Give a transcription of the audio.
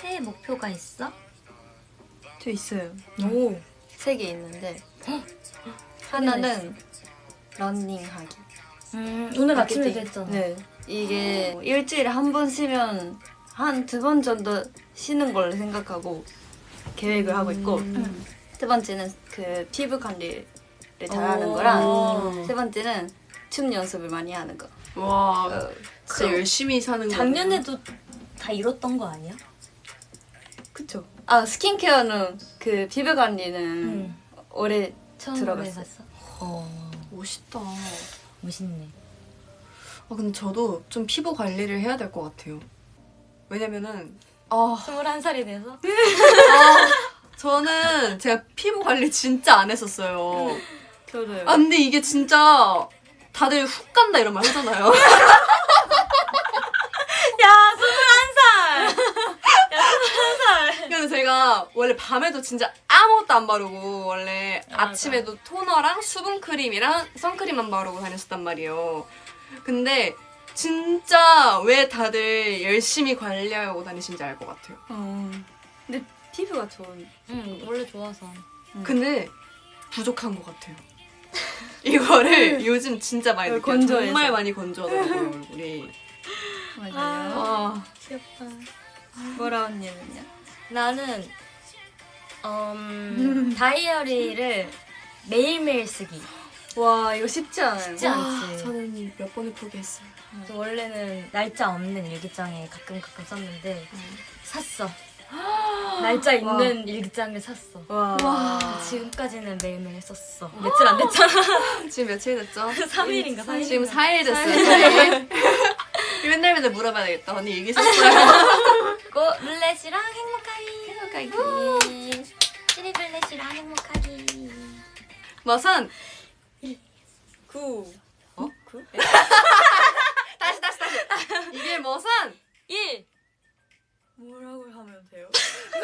새해 목표가 있어? 저 있어요. 오. 3개 있는데 하나는 러닝하기. 오늘 아침에도 마케팅. 했잖아. 네. 이게 일주일에 한 번 쉬면 한 2번 정도 쉬는 걸 생각하고 계획을 하고 있고 세 번째는 그 피부 관리를 잘하는 거랑 세 번째는 춤 연습을 많이 하는 거. 와, 진짜 열심히 사는 거. 작년에도 다 이뤘던 거 아니야? 그쵸. 스킨케어는 그 피부 관리는 올해 처음으로 들어갔어요. 해봤어? 멋있다. 멋있네. 근데 저도 좀 피부 관리를 해야 될 것 같아요. 왜냐면은 21살이 돼서? 저는 제가 피부 관리 진짜 안 했었어요. 저도요. 근데 이게 진짜 다들 훅 간다 이런 말 하잖아요. 야, 21살! 근데 제가 원래 밤에도 진짜 아무것도 안 바르고 원래 맞아. 아침에도 토너랑 수분크림이랑 선크림만 바르고 다녔었단 말이에요. 근데 진짜 왜 다들 열심히 관리하고 다니신지 알 것 같아요. 근데 피부가 좋은. 응, 원래 좋아서. 근데 부족한 것 같아요. 이거를 요즘 진짜 많이 느껴요. 건조해서. 정말 많이 건조하더라고요, 얼굴이. 맞아요. 귀엽다. 보라 언니는요? 나는 다이어리를 매일매일 쓰기. 와 이거 쉽지 않아요. 쉽지 않지. 저는 몇 번을 포기했어요. 그래서 원래는 날짜 없는 일기장에 가끔 썼는데 샀어. 날짜 있는 일기장을 샀어. 와. 지금까지는 매일매일 썼어. 며칠 안 됐잖아. 지금 며칠 됐죠? 3일인가 4일. 지금 4일 됐어요. 4일. 맨날 물어봐야 되겠다. 언니 얘기 썼어요? 고 룰렛이랑 행복하기. 찌리블렛이랑 행복하기. 머선 9. 9? 다시. 이게 머선 1. 뭐라고 하면 돼요?